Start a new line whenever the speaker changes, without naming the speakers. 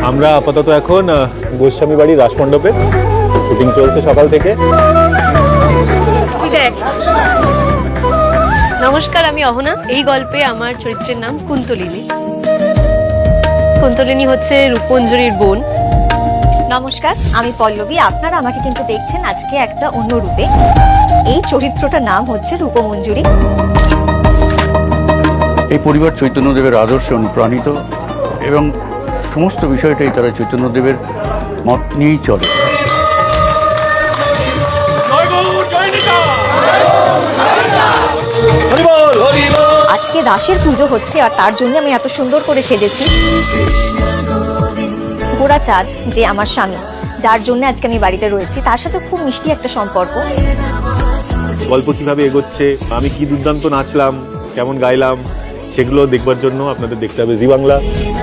আমরা আপাতত এখন গোস্বামী বাড়ি রাসমণ্ডপে শুটিং চলছে সকাল থেকে।
নমস্কার, আমি অহনা। এই গল্পে আমার চরিত্রের নাম কুন্তলিনী। কুন্তলিনী হচ্ছে রূপঞ্জরির বোন।
নমস্কার, আমি পল্লবী। আপনারা আমাকে কিন্তু দেখছেন আজকে একটা অন্য রূপে। এই চরিত্রটার নাম হচ্ছে রূপমঞ্জুরি।
এই পরিবার চৈতন্যদেবের আদর্শে অনুপ্রাণিত এবং সমস্ত বিষয়টাই তারা চৈতন্যদেবের মত নিয়েই চলে।
আজকে রাসের পুজো হচ্ছে আর তার জন্য আমি এত সুন্দর করে সেজেছি। গোড়াচাঁদ যে আমার স্বামী, যার জন্য আজকে আমি বাড়িতে রয়েছি, তার সাথে খুব মিষ্টি একটা সম্পর্ক।
গল্প কিভাবে এগোচ্ছে, আমি কি দুর্দান্ত নাচলাম, কেমন গাইলাম, সেগুলো দেখবার জন্য আপনাদের দেখতে হবে জি বাংলা।